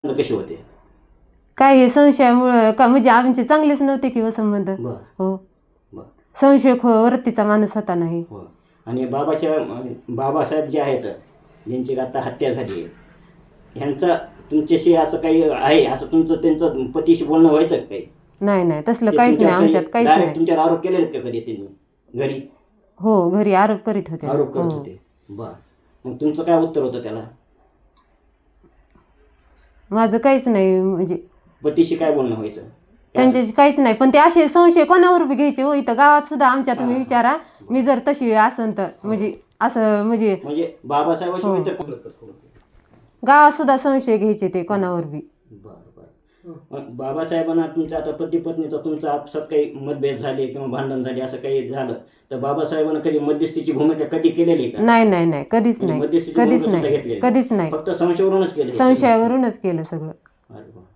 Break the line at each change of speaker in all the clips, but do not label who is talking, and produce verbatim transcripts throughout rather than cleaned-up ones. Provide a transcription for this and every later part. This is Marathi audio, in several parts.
कसे होते?
काय हे संशयामुळं का म्हणजे आमचे चांगलेच नव्हते किंवा संबंध.
बर
हो,
बर
संशय वृत्तीचा माणूस होता नाही.
हो. आणि बाबाच्या अं, बाबासाहेब जे आहेत ज्यांची आता हत्या झाली आहे, ह्यांचा तुमच्याशी असं काही आहे, असं तुमचं त्यांचं पतीशी बोलणं व्हायचं का काही?
नाही नाही तसलं
ते
काहीच नाही
तुमच्यावर
आमच्यात,
काही
काहीच
direct
नाही.
तुमच्यावर आरोप केलेत का कधी त्यांनी घरी?
हो, घरी आरोप करीत होते.
आरोप करत
हो,
होते. बर, मग तुमचं काय उत्तर होतं त्याला?
माझं काहीच नाही म्हणजे
पतीशी काय बोलणं व्हायचं?
त्यांच्याशी काहीच नाही. पण ते असे संशय कोणावर बी घ्यायचे हो. इथं गावात सुद्धा आमच्या तुम्ही
हा.
विचारा, मी जर तशी असन तर म्हणजे असं म्हणजे
म्हणजे बाबासाहेबाशिवाय
हो.
तर
गावात सुद्धा संशय घ्यायचे ते कोणावर बी.
बर बर. मग बाबासाहेबांना तुमचा आता पती पत्नीचा तुमचा आपसात काही मतभेद झाले किंवा भांडण झाले असं काही झालं तर बाबासाहेबांना कधी मध्यस्थीची भूमिका कधी केलेली का?
नाही नाही नाही कधीच
म्हणजे
नाही,
मध्यस्थीची
कधीच
भूमिका सुद्धा
नाही,
घेतलेली
कधीच नाही.
फक्त संशयावरूनच केले?
संशयावरूनच केलं सगळं.
अरे वा.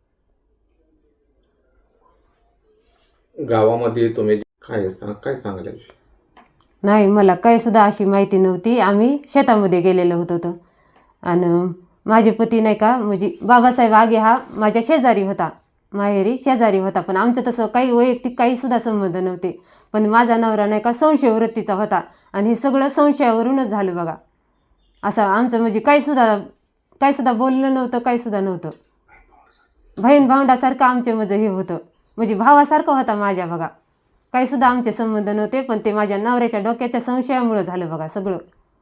गावामध्ये तुम्ही काय सांग काय सांगाल?
नाही, मला काही सुद्धा अशी माहिती नव्हती. आम्ही शेतामध्ये गेलेलो होतो तर आणि माझे पती नाही का म्हणजे बाबासाहेब आगे हा माझ्या शेजारी होता, माहेरी शेजारी होता. पण आमचं तसं काही वैयक्तिक काही सुद्धा संबंध नव्हते. पण माझा नवरा नाही का संशय वृत्तीचा होता आणि हे सगळं संशयावरूनच झालं बघा. असं आमचं म्हणजे काही सुद्धा काही सुद्धा बोलणं नव्हतं, काही सुद्धा नव्हतं. बहीण भावंडासारखं आमचे म्हणजे हे होतं, म्हणजे भावासारखं होता माझ्या बघा. काही सुद्धा आमचे संबंध नव्हते. पण ते माझ्या नवऱ्याच्या डोक्याच्या संशयामुळं झालं बघा सगळं.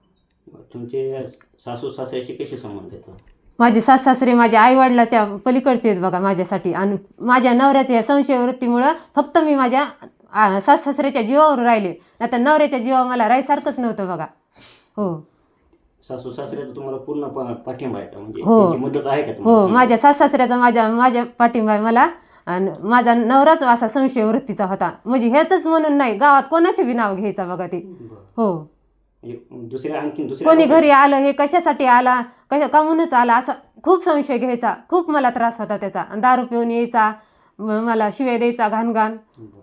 तुमचे सासू सासऱ्याशी कसे संबंध आहेत?
माझे सास सासरे माझ्या आईवडिलाच्या पलीकडचे आहेत बघा माझ्यासाठी. आणि माझ्या नवऱ्याच्या संशय वृत्तीमुळं फक्त मी माझ्या आ, सास सासऱ्याच्या जीवावर राहिले, नाही तर नवऱ्याच्या जीवावर मला राहायसारखंच नव्हतं बघा. हो
सासू सासऱ्याचा तुम्हाला पूर्ण पा- पाठिंबा आहे का? म्हणजे
हो.
त्यांची मदत आहे का
हो,
तुम्हाला?
माझ्या सास सासऱ्याचा माझ्या माझ्या पाठिंबा आहे मला. आणि माझा नवराच असा संशय वृत्तीचा होता. म्हणजे हेच म्हणून नाही, गावात कोणाचे बी नाव घ्यायचा बघा ते.
बरं.
हो,
म्हणजे दुसऱ्या आणखीन दुसऱ्या
कोणी
लोकांना-
घरी आलं हे कशासाठी आला, कशा कामूनच आला असा खूप संशय घ्यायचा. खूप मला त्रास होता त्याचा. आणि दारू पिऊन यायचा, म- मला शिव्या द्यायचा घाण घाण.
बरं.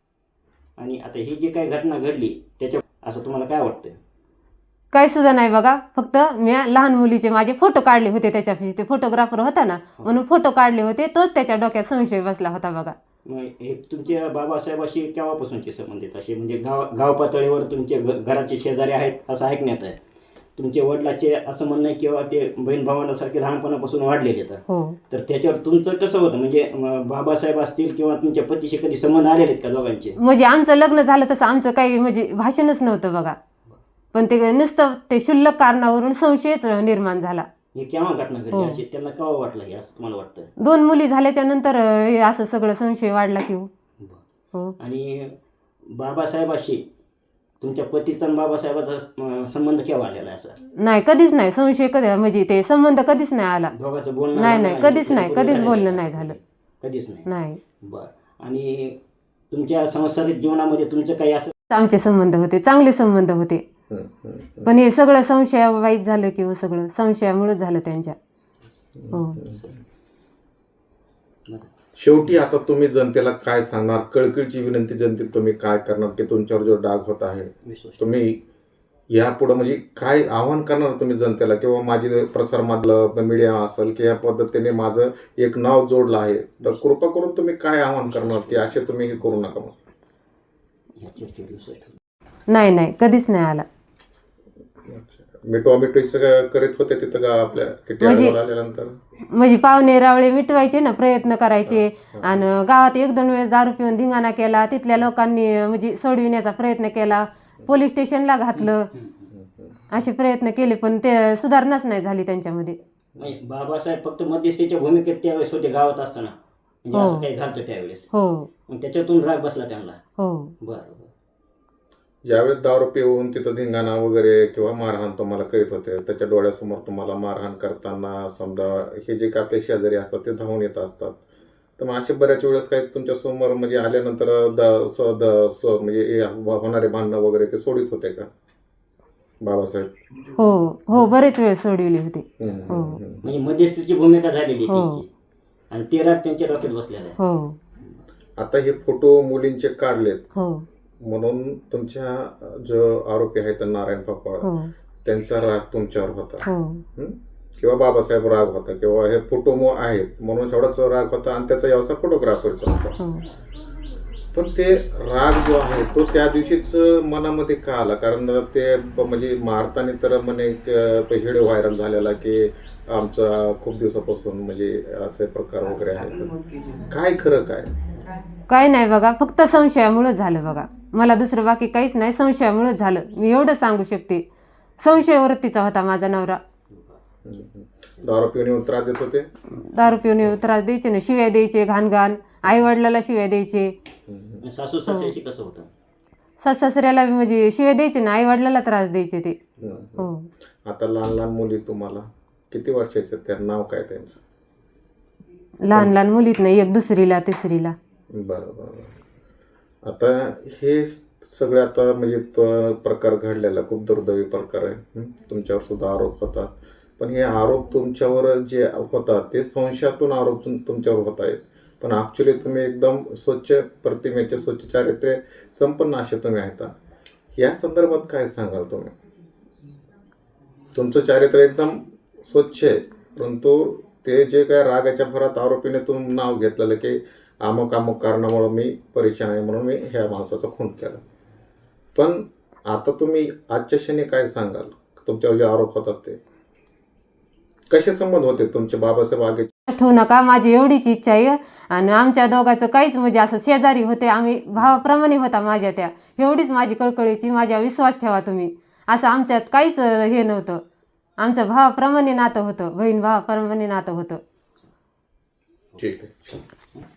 आणि आता ही जी काही घटना घडली त्याच्या असं तुम्हाला काय वाटतं?
काही सुद्धा नाही बघा. फक्त मी लहान मुलीचे माझे फोटो काढले होते त्याच्यापाशी. ते फोटोग्राफर होता ना म्हणून फोटो काढले होते, तोच त्याच्या डोक्यात संशय बसला होता बघा.
मग हे तुमच्या बाबासाहेबाशी केव्हापासूनचे संबंध आहेत असे? म्हणजे गाव गाव पातळीवर तुमचे घ- घराचे शेजारी आहेत असं ऐकण्यात आहे. तुमच्या वडिलाचे असं म्हणणं आहे किंवा ते बहीण भावांसारखे लहानपणापासून वाढलेले आहेत.
हो,
तर त्याच्यावर तुमचं कसं होतं? म्हणजे म, बाबासाहेब असतील किंवा तुमच्या पतीशी कधी संबंध आलेले आहेत का दोघांचे?
म्हणजे आमचं लग्न झालं तसं आमचं काही म्हणजे भाषणच नव्हतं बघा. पण ते नुसतं ते क्षुल्लक कारणावरून संशयच निर्माण झाला.
हे केव्हा घटना घडली
हो.
अशी? त्यांना केव्हा वाटलं हे असं तुम्हाला वाटतं?
दोन मुली झाल्याच्या नंतर अं, हे असं सगळं संशय वाढला की हो.
बरं.
हो,
आणि बाबासाहेबाशी तुमच्या पतीचा आणि बाबासाहेबाचा अं, संबंध केव्हा आलेला आहे असा?
नाही कधीच नाही संशय कधी म्हणजे ते संबंध कधीच नाही आला.
दोघांचं बोलणं
नाही
झालं
नाही
आणि
कधीच नाही,
पूर्वी
कधीच
झालेलं
बोलणं
आहे?
नाही झालं.
कधीच नाही.
नाही,
बरं. आणि तुमच्या संसारिक जीवनामध्ये तुमचं काही असं
आमचे संबंध होते, चांगले संबंध होते. पण हे सगळं संशयावाईच झालं की हो, सगळं संशयामुळेच झालं त्यांच्या. हो,
शेवटी आता तुम्ही जनतेला काय सांगणार? कळकळीची विनंती जनतेत तुम्ही काय करणार की तुमच्यावर जो डाग होत आहे
विश्वास
तुम्ही यापुढे म्हणजे काय आव्हान करणार तुम्ही जनतेला? किंवा माझी प्रसारमाध्यम मीडिया असेल की या पद्धतीने माझं एक नाव जोडलं आहे, तर कृपा करून तुम्ही काय आव्हान करणार की असे तुम्ही हे करू नका?
ह्या चर्चेवर विश्वास ठेवू.
नाही नाही कधीच नाही आला.
मिठवा मिठवी सगळं करीत होते तिथं का आपल्या किती
म्हणजे-
अडवळ आल्यानंतर?
म्हणजे पाहुणे रावळे मिटवायचे ना, प्रयत्न करायचे. आणि गावात एक दोन वेळेस दारू पिऊन धिंगाणा केला, तिथल्या लोकांनी म्हणजे सोडविण्याचा प्रयत्न केला, पोलीस स्टेशनला घातलं, असे प्रयत्न केले. पण ते सुधारणाच नाही झाली त्यांच्यामध्ये.
नाही, बाबासाहेब फक्त मध्यस्थीच्या भूमिकेत त्यावेळेस होते गावात असताना, म्हणजे
हो.
असं काही झालं त्यावेळेस.
हो
मग त्याच्यातून राग बसला त्यांना.
हो,
बरं बरं.
ज्यावेळेस दारू पिऊन तिथं धिंगाणा वगैरे किंवा मारहाण तुम्हाला करीत होते, त्याच्या डोळ्यासमोर तुम्हाला मारहाण करताना समजा हे जे काय आपले शेजारी असतात ते धावून येत असतात, तर मग असे बऱ्याच वेळेस काही तुमच्या समोर म्हणजे आल्यानंतर द स द स म्हणजे हे होणारे भांडणं वगैरे ते सोडित होते का बाबासाहेब?
हो हो, बरेच वेळ सोडविले होते.
हम्म,
हो.
हम्म, हम्म.
म्हणजे मध्यस्थीची भूमिका झालेली
हो.
त्यांची आणि ते राग त्यांच्या डोक्यात बसलेला आहे.
हो
आता हे फोटो मुलींचे काढलेत
हो
म्हणून तुमच्या जो आरोपी आहेत नारायण पापा
हो
त्यांचा राग तुमच्यावर होता.
हो
हं? किंवा बाबासाहेब राग होता किंवा हे फोटो आहेत म्हणून एवढाच राग होता आणि त्याचा व्यवसाय फोटोग्राफरचा होता.
हो.
पण ते राग जो आहे तो त्या दिवशीच मनामध्ये का आला? कारण ते ब- म्हणजे मारताना तर म्हणे एक व्हिडिओ व्हायरल झालेला की आमचा खूप दिवसापासून म्हणजे असे प्रकार वगैरे आहेत. काय खरं काय?
काही नाही बघा, फक्त संशयामुळेच झालं बघा. मला दुसरं बाकी काहीच नाही, संशयामुळेच झालं. मी एवढं सांगू शकते. संशय वृत्तीचा होता माझा नवरा.
हम्म, हम्म. दारू पिऊन येऊन त्रास देत होते.
दारू पिऊन येऊन त्रास द्यायचे ना, शिव्या द्यायचे, घाण घाण, आई वडिलाला शिव्या द्यायचे,
हम्म,
सासू सासऱ्याशी कसं होतं?
सास सासऱ्याला म्हणजे शिव्या द्यायचे ना, आई वडिलाला त्रास द्यायचे ते.
हम्म.
हो.
आता लहान लहान मुली तुम्हाला किती वर्षाचे? त्या नाव काय त्यांचं?
लहान लहान मुलीत नाही, एक दुसरीला तिसरीला.
बरं बरं. आता हे सगळे आता म्हणजे तो प्रकार घडलेला खूप दुर्दैवी प्रकार आहे. हं? तुमच्यावर सुद्धा आरोप होतात. पण हे आरोप तुमच्यावर जे होतात ते संशयातून आरोप तुम- तुमच्यावर होत आहेत. पण ॲक्च्युली तुम्ही एकदम स्वच्छ प्रतिमेचे, स्वच्छ चारित्र्य संपन्न असे तुम्ही आहेत. या संदर्भात काय सांगाल तुम्ही? तुमचं चारित्र्य एकदम स्वच्छ आहे, परंतु ते जे काय रागाच्या भरात आरोपीने तुम्ही नाव घेतलेलं की अमुक अमुक कारणामुळं मी परेशान आहे म्हणून मी ह्या माणसाचा खून केला. पण आता तुम्ही आजच्या क्षणी काय सांगाल? तुमच्यावर जे आरोप होतात ते कसे संबंध होते तुमचे बाबासाहेब आगे?
ठेवू नका, माझी एवढीच इच्छा आहे. आणि आमच्या दोघांचं काहीच म्हणजे असं शेजारी होते आम्ही, भावाप्रमाणे होता माझ्या त्या. एवढीच माझी कळकळीची, माझ्या विश्वास ठेवा तुम्ही. असं आमच्यात काहीच हे नव्हतं. आमचं भावाप्रमाणे नातं होतं, बहीण भावाप्रमाणे नातं होतं.
ठीक आहे.